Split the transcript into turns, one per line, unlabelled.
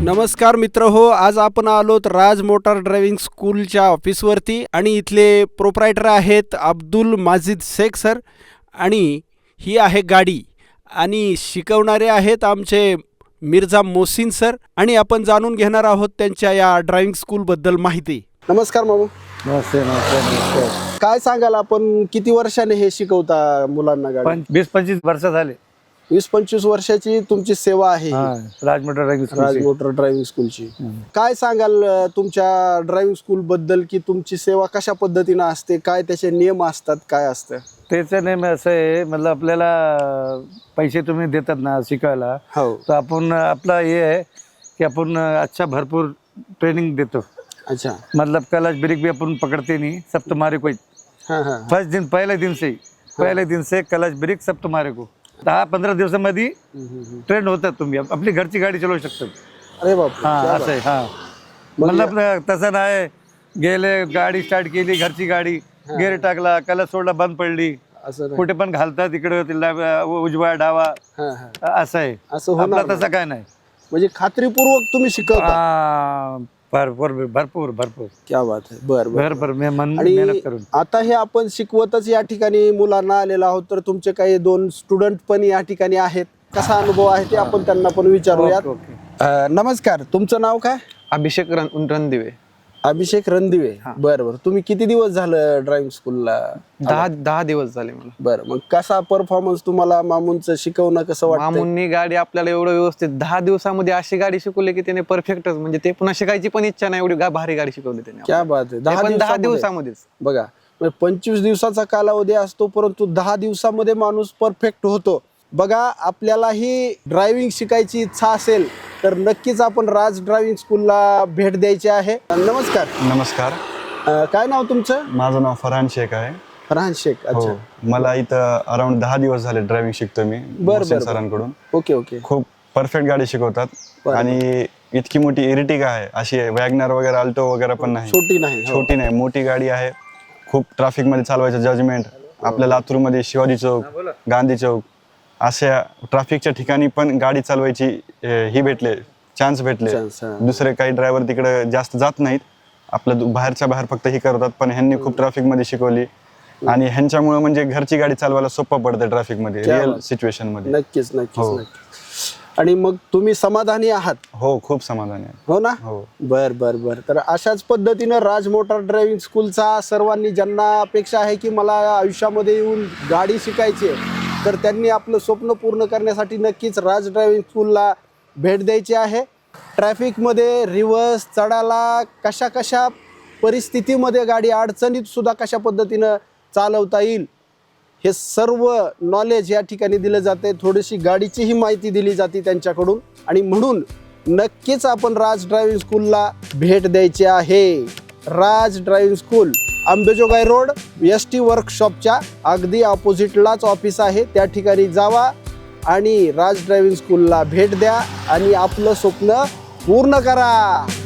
नमस्कार मित्र हो, आज आपण आलोत राज मोटार ड्रायव्हिंग स्कूलच्या ऑफिसवरती आणि इथले प्रोप्रायटर आहेत अब्दुल माजिद शेख सर आणि ही आहे गाडी आणि शिकवणारे आहेत आमचे मिर्झा मोहसिन सर आणि आपण जाणून घेणार आहोत त्यांच्या या ड्रायव्हिंग स्कूलबद्दल माहिती. नमस्कार मामू.
नमस्ते नमस्ते नमस्ते.
काय सांगाल, आपण किती वर्षाने हे शिकवता मुलांना गाडी?
20-25 वर्ष झाले.
20-25 वर्षाची तुमची सेवा आहे
राज मोटर
ड्रायव्हिंग स्कूलची. काय सांगाल तुमच्या ड्रायव्हिंग स्कूल बद्दल, की तुमची सेवा कशा पद्धतीने असते, काय त्याचे नियम असतात, काय असतं?
त्याचं नेम असं आहे, मतलब आपल्याला पैसे तुम्ही देतात ना शिकायला,
हो,
तर आपण आपला हे आहे की आपण अच्छा भरपूर ट्रेनिंग देतो.
अच्छा,
मतलब क्लच ब्रेक भी अपन पकड़ते नहीं, सब तुम्हारे को.
हाँ हाँ,
फर्स्ट दिन पहले दिन से क्लच ब्रेक सब तुम्हारे को. 10-15 दिवसामध्ये ट्रेन होतात, तुम्ही आपली घरची गाडी चालवू शकता.
अरे बाप,
हा असं आहे. हा मतलब तसं नाही, गेले गाडी स्टार्ट केली, घरची गाडी गेअर टाकला, क्लच सोडला, बंद पडली,
असं
कुठे पण घालतात, इकडे उजवा डावा, असं आहे.
असं
आपला
होणार
तसं काय नाही,
म्हणजे खात्रीपूर्वक तुम्ही शिकवता.
भरपूर भरपूर भरपूर.
क्या बात आहे. बरं बरं.
भरपूर मेहनत
आणि
करून
आता हे आपण शिकवतच या ठिकाणी मुलांना आलेलो आहोत, तर तुमचे काही 2 स्टुडंट पण या ठिकाणी आहेत. कसा अनुभव आहे ते आपण त्यांना पण विचारूयात. नमस्कार, तुमचं नाव काय?
अभिषेक रणदिवे.
अभिषेक रणदिवे. बरं बरं. तुम्ही किती दिवस झालं ड्रायव्हिंग स्कूलला?
10 दिवस झाले मला.
बरं, मग कसा परफॉर्मन्स तुम्हाला मामूनचं शिकवणं कसं वाटतं?
मामूंनी गाडी आपल्याला एवढं व्यवस्थित 10 दिवसामध्ये अशी गाडी शिकवली की त्याने परफेक्टच, म्हणजे ते पुन्हा शिकायची पण इच्छा नाही, एवढी भारी गाडी शिकवली त्याने.
क्या बात आहे.
10 दिवसामध्येच
बघा, 25 दिवसाचा कालावधी असतो, परंतु 10 दिवसामध्ये माणूस परफेक्ट होतो. बघा, आपल्यालाही ड्रायव्हिंग शिकायची इच्छा असेल तर नक्कीच आपण राज ड्रायव्हिंग स्कूलला भेट द्यायची आहे. नमस्कार.
नमस्कार.
काय नाव तुमचं?
माझं नाव फरहान शेख आहे.
फरहान शेख. अच्छा,
मला इथं अराउंड 10 दिवस झाले ड्रायव्हिंग शिकतो मी
बरं
सरांकडून.
Okay okay.
खूप परफेक्ट गाडी शिकवतात आणि इतकी मोठी इरिटिगा आहे, अशी वॅगनर वगैरे अल्टो वगैरे पण नाही, छोटी नाही, मोठी गाडी आहे. खूप ट्रॅफिक मध्ये चालवायचं जजमेंट. आपल्या लातूरमध्ये शिवाजी चौक, गांधी चौक अशा ट्रॅफिकच्या ठिकाणी पण गाडी चालवायची ही भेटले, चान्स भेटले. दुसरे काही ड्रायव्हर तिकडे जास्त जात नाहीत, आपलं बाहेरच्या बाहेर फक्त ही करतात. पण ह्यांनी खूप ट्रॅफिक मध्ये शिकवली आणि ह्यांच्यामुळे म्हणजे घरची गाडी चालवायला सोपं पडतं ट्रॅफिक मध्ये, रिअल सिच्युएशन मध्ये.
नक्कीच नक्कीच. आणि मग तुम्ही समाधानी आहात?
हो, खूप समाधानी आहे.
हो ना.
हो.
बर बर बर. तर अशाच पद्धतीनं राज मोटार ड्रायव्हिंग स्कूलचा सर्वांनी, ज्यांना अपेक्षा आहे की मला आयुष्यामध्ये येऊन गाडी शिकायची आहे, तर त्यांनी आपलं स्वप्न पूर्ण करण्यासाठी नक्कीच राज ड्रायव्हिंग स्कूलला भेट द्यायची आहे. ट्रॅफिकमध्ये रिव्हर्स चढायला कशा कशा परिस्थितीमध्ये गाडी अडचणीत सुद्धा कशा पद्धतीनं चालवता येईल हे सर्व नॉलेज या ठिकाणी दिलं जाते. थोडीशी गाडीचीही माहिती दिली जाते त्यांच्याकडून आणि म्हणून नक्कीच आपण राज ड्रायव्हिंग स्कूलला भेट द्यायची आहे. Raj driving school Ambejogai road ST वर्कशॉपच्या अगदी ऑपोजिटलाच ऑफिस आहे. त्या ठिकाणी जावा आणि राज ड्रायव्हिंग स्कूलला भेट द्या आणि आपलं स्वप्न पूर्ण करा.